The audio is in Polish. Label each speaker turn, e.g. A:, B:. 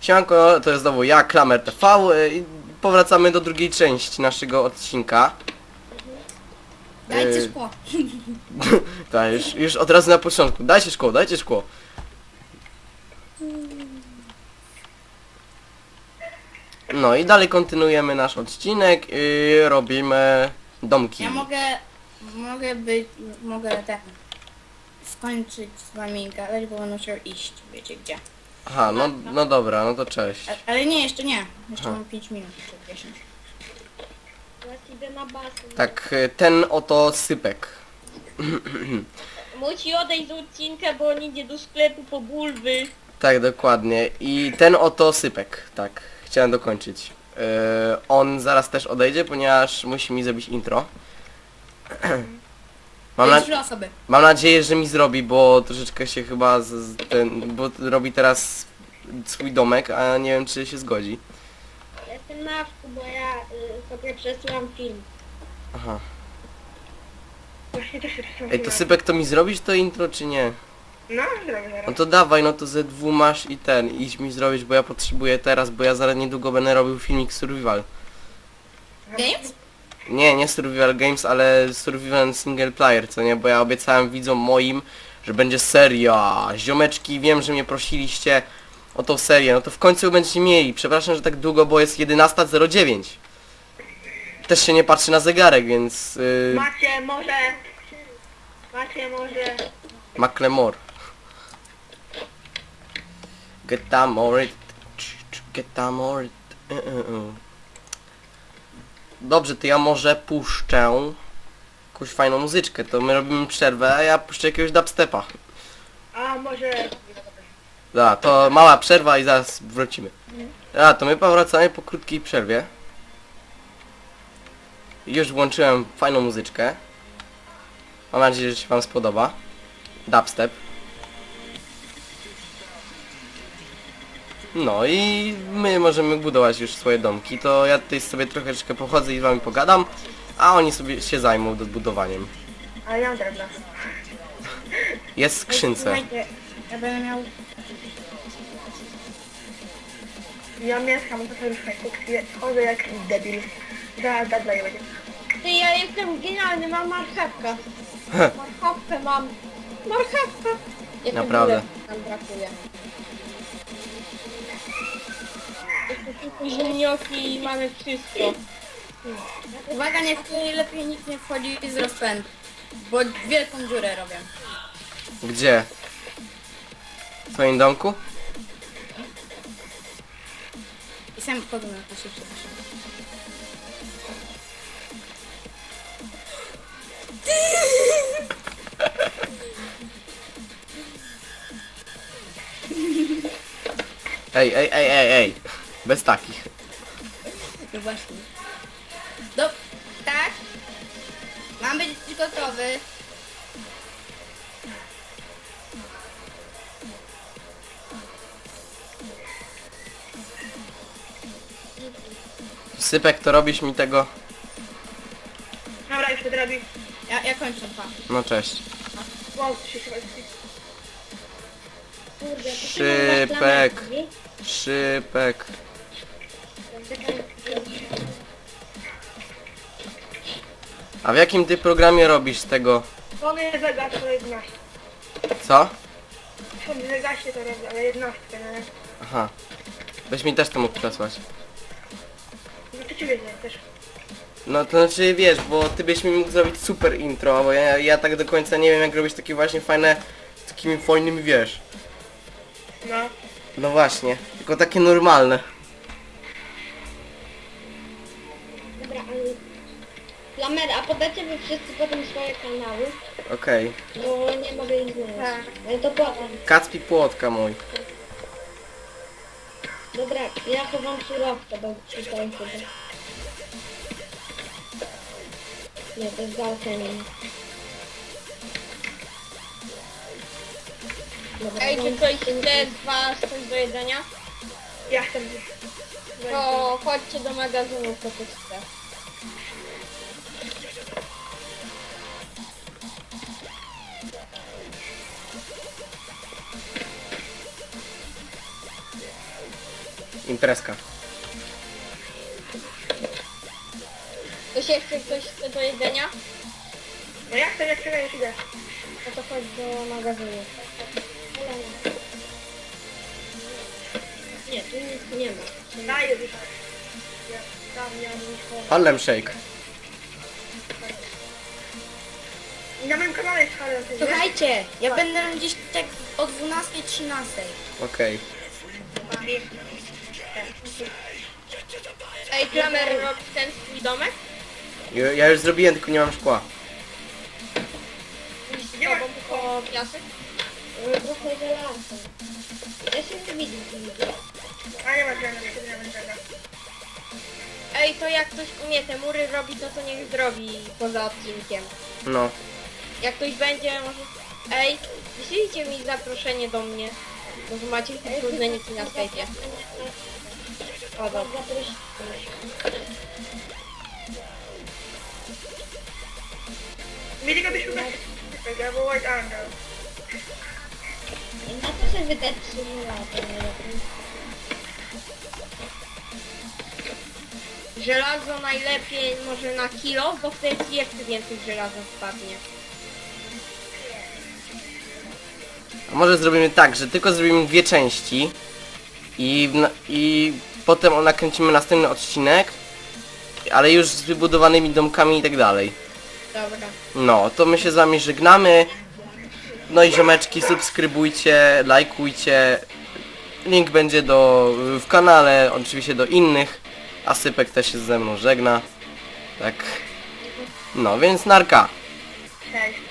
A: Siemanko, to jest znowu ja, Klamer TV i powracamy do drugiej części naszego odcinka.
B: Dajcie szkło.
A: Tak, już od razu na początku. Dajcie szkło, dajcie szkło. No i dalej kontynuujemy nasz odcinek i robimy domki.
B: Ja mogę skończyć z wami gadać, bo będę musiał iść, wiecie gdzie.
A: Aha, no dobra, no to cześć.
B: Ale nie, jeszcze nie. Jeszcze
A: Aha.
B: mam 5 minut, jeszcze 10.
C: Teraz idę na basen.
A: Tak, ten oto sypek.
C: Musi odejść z odcinka, bo on idzie do sklepu po bulwy.
A: Tak, dokładnie. I ten oto sypek, tak, chciałem dokończyć. On zaraz też odejdzie, ponieważ musi mi zrobić intro.
B: Trzy osoby.
A: Mam nadzieję, że mi zrobi, bo troszeczkę się chyba bo robi teraz swój domek, a nie wiem, czy się zgodzi.
C: Jestem na wku, bo ja sobie przesyłam film.
A: Aha.
D: Właśnie też się przesunąłem.
A: Ej, to sypek, to mi zrobisz to intro, czy nie?
D: No, zrobię zaraz.
A: No to dawaj, no to ze dwu masz i idź mi zrobić, bo ja potrzebuję teraz, bo ja zaraz niedługo będę robił filmik Survival.
B: Games?
A: Nie Survival Games, ale Survival Single Player, co nie? Bo ja obiecałem widzom moim, że będzie seria. Ziomeczki, wiem, że mnie prosiliście o tą serię, no to w końcu będziecie mieli. Przepraszam, że tak długo, bo jest 11:09. Też się nie patrzy na zegarek, więc...
D: Macie może...
A: Macklemore. Get down more it. Get down more it. Dobrze, to ja może puszczę jakąś fajną muzyczkę, to my robimy przerwę, a ja puszczę jakiegoś dubstepa.
D: A może...
A: Dobra, to mała przerwa i zaraz wrócimy. A, to my powracamy po krótkiej przerwie. Już włączyłem fajną muzyczkę. Mam nadzieję, że się wam spodoba. Dubstep. No i my możemy budować już swoje domki. To ja tutaj sobie troszeczkę pochodzę i z wami pogadam, a oni sobie się zajmą budowaniem.
D: Ale ja mam drewno.
A: Jest w skrzynce.
B: Słuchajcie, ja będę miał...
D: Ja mieszkam, to sobie już chodzę jak debil. Da daję będzie.
C: Ty, ja jestem genialny, mam marchewkę. Marchewkę mam. Marchewkę. Jeszcze
A: Naprawdę.
C: bulek nam brakuje. Jeszcze tylko ziemnioki i mamy wszystko.
B: Uwaga, lepiej nikt nie wchodzi z rozpędu. Bo wielką dziurę robię.
A: Gdzie? W twoim domku?
B: I sam wchodzę na to się przepraszam.
A: Ej. Bez takich.
B: No właśnie. Tak? Mam być gotowy.
A: Sypek, to robisz mi tego...
D: Dobra, już to robi.
B: Ja kończę pa.
A: No cześć.
D: Wow, to się chyba...
C: Kurde, to ty
A: Szypek.
C: masz lamerki?
A: Szypek. A w jakim ty programie robisz tego?
D: Mogę zagać to 11.
A: Co?
D: Sobie zagaśnie to robię, ale 11, no nie?
A: Aha. Weź mi też to mógł przesłać.
D: No to ciebie nie też.
A: No to znaczy wiesz, bo ty byś mi mógł zrobić super intro, bo ja tak do końca nie wiem jak robić takie właśnie fajne, z takimi fajnymi wiesz.
D: No.
A: No właśnie, tylko takie normalne.
C: Dobra, ale... Lamer, a podacie wy wszyscy potem swoje kanały?
A: Okej.
C: Bo nie mogę ich znaleźć.
D: Tak.
C: Ale to potem.
A: Kacpi płotka mój.
C: Dobra, ja chowam surowce, bo czytałem sobie. Nie, to jest za alchemią. Dobra,
E: Ej, czy
C: mam-
E: ktoś chce z was coś do jedzenia?
D: Ja chcę...
E: To chodźcie do magazynu po tych chce.
A: Imprezka.
E: To się chce coś do jedzenia?
D: No jak to, jak czekaj, już idę.
E: No to chodź do magazynu. Nie, tu nic nie ma.
D: Daję już. Ja tam miałem iść po...
A: Harlem Shake.
D: I na moim kanale jest Harlem, ty wiesz?
B: Słuchajcie, ja będę gdzieś tak o 12:13.
A: Okej.
E: Ej, Klamer, robisz ten swój domek?
A: Ja już zrobiłem, tylko nie mam szkła.
E: Z tobą tylko piasek?
C: Trochę żelaza. Ja się nie widzę.
D: A nie ma drzewa, nie ma drzewa.
E: Ej, to jak ktoś umie te mury robić, no to niech zrobi poza odcinkiem.
A: No.
E: Jak ktoś będzie, może... Ej, wyślijcie mi zaproszenie do mnie. Może macie różne niki na Skype'ie. O, dobra.
D: Mieli go byś ubrać. Albo White Angel.
C: Na to sobie wydać 3 lata najlepiej.
E: Żelazo najlepiej może na kilo, bo wtedy ci jeszcze więcej żelaza wpadnie.
A: A może zrobimy tak, że tylko zrobimy 2 części i potem nakręcimy następny odcinek, ale już z wybudowanymi domkami i tak dalej.
E: Dobra.
A: No, to my się z wami żegnamy. No i ziomeczki, subskrybujcie, lajkujcie. Link będzie w kanale, oczywiście do innych. A Sypek też się ze mną żegna. Tak. No, więc narka.
D: Cześć.